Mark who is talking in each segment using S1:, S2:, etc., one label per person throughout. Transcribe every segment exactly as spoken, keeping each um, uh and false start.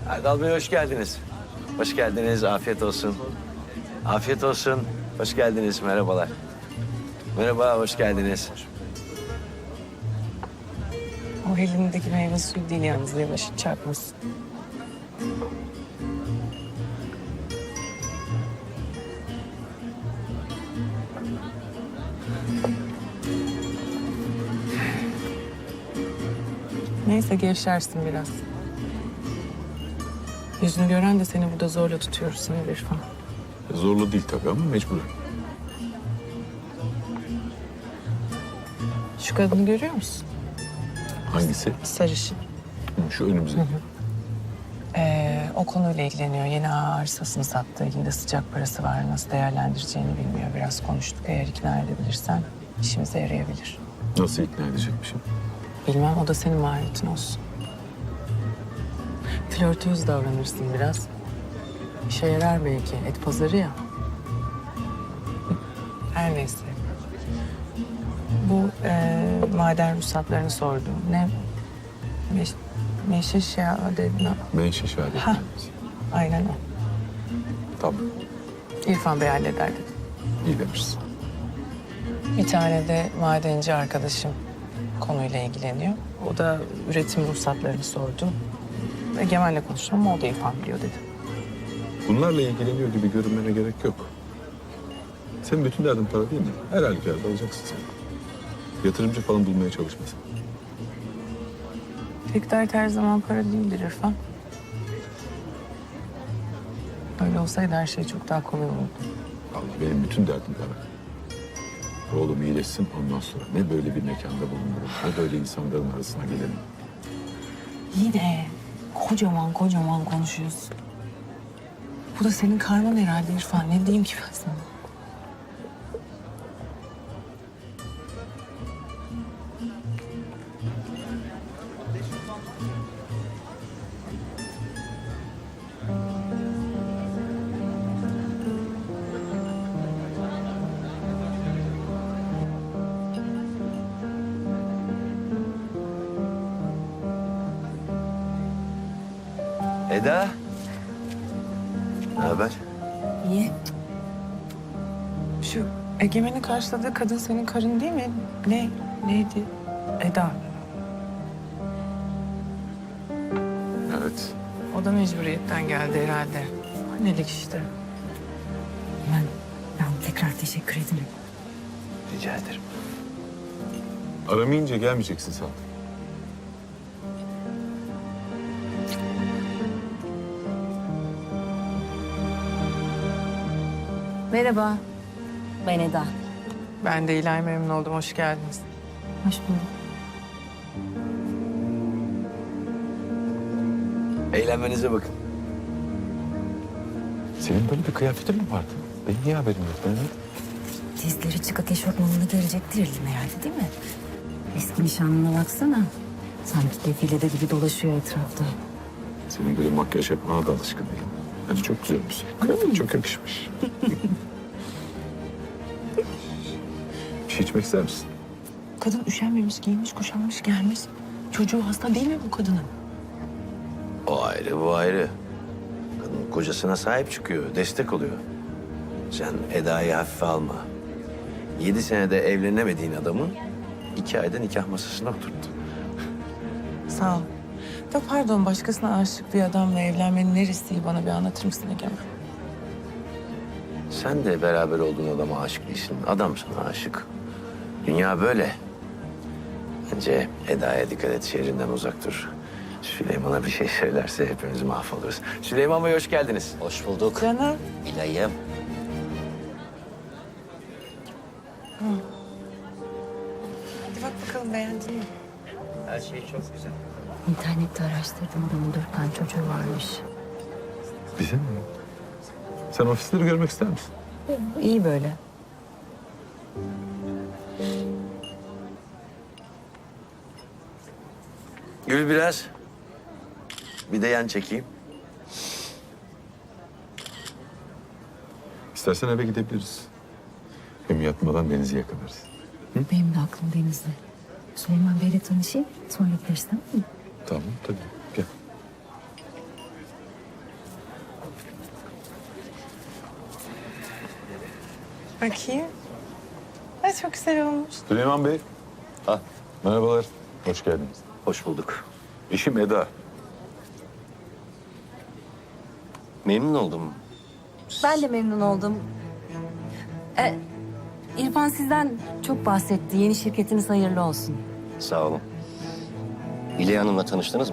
S1: Erdal Bey hoş geldiniz. Hoş geldiniz, afiyet olsun. Afiyet olsun, hoş geldiniz, merhabalar. Merhaba, hoş geldiniz.
S2: O elindeki meyve suyu değil yalnız, yavaş çarpmasın. Neyse gevşersin biraz. Yüzünü gören de seni burada zorla tutuyoruz seni İrfan.
S3: Zorlu değil tabii ama mecburen.
S2: Şu kadını görüyor musun?
S3: Hangisi?
S2: Sarışın.
S3: Şu önümüzdeki.
S2: Ee, o konuyla ilgileniyor. Yeni arsasını sattı. Elinde sıcak parası var. Nasıl değerlendireceğini bilmiyor. Biraz konuştuk. Eğer ikna edebilirsen işimize yarayabilir.
S3: Nasıl ikna edecekmişim?
S2: Bilmem, o da senin maharetin olsun. Flörtöz davranırsın biraz. İşe yarar belki. Et pazarı ya. Her neyse. Bu e, maden ruhsatlarını sordum. Ne? Meş, meşiş ya dedin.
S3: Menşe şehadet.
S2: Ha. Aynen o.
S3: Tamam.
S2: İrfan Bey halleder dedi.
S3: İyi demişsin.
S2: Bir tane de madenci arkadaşım konuyla ilgileniyor. O da üretim ruhsatlarını sordu. Egemen'le konuştum ama o da İrfan biliyor dedi.
S3: Bunlarla ilgileniyor gibi görünmene gerek yok. Senin bütün derdin para değil mi? Her halükarda alacaksın sen. Yatırımcı falan bulmaya çalışmasın.
S2: Tek dert her zaman para değildir İrfan. Öyle olsaydı her şey çok daha kolay olurdu.
S3: Allah, benim bütün derdim para. Oğlum iyileşsin, ondan sonra ne böyle bir mekanda bulunurum, ne böyle insanların arasına gelirim.
S2: Yine kocaman kocaman konuşuyorsun. Bu da senin karman herhalde İrfan. Ne diyeyim ki ben sana?
S1: Eda. Ne haber?
S2: Niye? Şu Egemen'in karşıladığı kadın senin karın değil mi? Ne? Neydi? Eda.
S3: Evet.
S2: O da mecburiyetten geldi herhalde. Annelik işte.
S4: Ben, ben tekrar teşekkür ederim.
S1: Rica ederim.
S3: Aramayınca gelmeyeceksin sen.
S4: Merhaba. Ben Eda.
S2: Ben de İlay, memnun oldum. Hoş geldiniz.
S4: Hoş bulduk.
S1: Eğlenmenize bakın.
S3: Senin böyle bir kıyafetin mi vardı? Benim niye haberim yok? Ben
S4: Dizleri çıkık eşofmanını gelecektir elim herhalde değil mi? Eski nişanlına baksana. Sanki defilede gibi dolaşıyor etrafta.
S3: senin böyle makyaj yapmana da alışkın değilim. Yani çok güzelmiş. Kıyafet çok yakışmış. Bir şey içmek ister misin?
S2: Kadın üşenmemiş, giymiş, kuşanmış, gelmiş. Çocuğu hasta değil mi bu kadının?
S1: O ayrı, bu ayrı. Kadın kocasına sahip çıkıyor, destek oluyor. Sen Eda'yı hafife alma. Yedi senede evlenemediğin adamı iki ayda nikah masasına oturttu.
S2: Sağ ol. Da pardon, başkasına aşık bir adamla evlenmenin neresi bana bir anlatır mısın Egemen?
S1: Sen de beraber olduğun adama aşık değilsin. Adam sana aşık. Dünya böyle. Bence Eda'ya dikkat et, şehrinden uzak dur. Süleyman'a bir şey söylerse hepimiz mahvoluruz. Süleyman Bey hoş geldiniz.
S5: Hoş bulduk.
S2: Canım.
S5: İlay'ım.
S2: Hadi bak bakalım, beğendin mi?
S5: Her şey çok güzel.
S4: İnternette araştırdım, adamın dört tane çocuğu varmış.
S3: Bize mi? Sen ofisleri görmek ister misin?
S4: İyi böyle.
S1: Gül biraz. Bir de yan çekeyim.
S3: İstersen eve gidebiliriz. Hem yatmadan denizi yakalarız.
S4: Benim de aklım denizde. Süleyman Bey'le tanışayım, sonra gideriz tamam mı?
S3: Tamam tabii. Gel.
S2: Bakayım. Ay çok güzel olmuş.
S3: Süleyman Bey. Ha, merhabalar. Hoş geldiniz.
S1: Hoş bulduk.
S3: Eşim Eda.
S5: Memnun oldum.
S4: Ben de memnun oldum. E, İrfan sizden çok bahsetti. Yeni şirketiniz hayırlı olsun.
S5: Sağ olun. İley Hanım'la tanıştınız mı?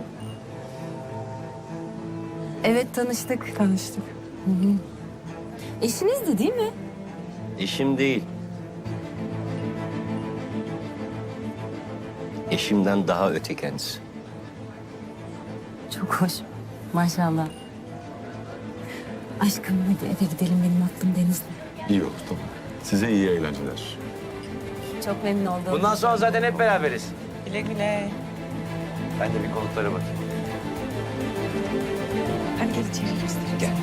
S4: Evet tanıştık.
S2: Tanıştık.
S4: Eşinizdi değil mi?
S5: Eşim değil. Eşimden daha öte kendisi.
S4: Çok hoş. Maşallah. Aşkım hadi eve gidelim. Benim aklım denizde.
S3: İyi olur, tamam. Size iyi eğlenceler.
S4: Çok memnun oldum.
S1: Bundan sonra zaten hep beraberiz.
S2: Güle güle.
S1: Ben de bir konuklara bakayım.
S2: Hadi gel içeri göstereyim.
S1: Gel.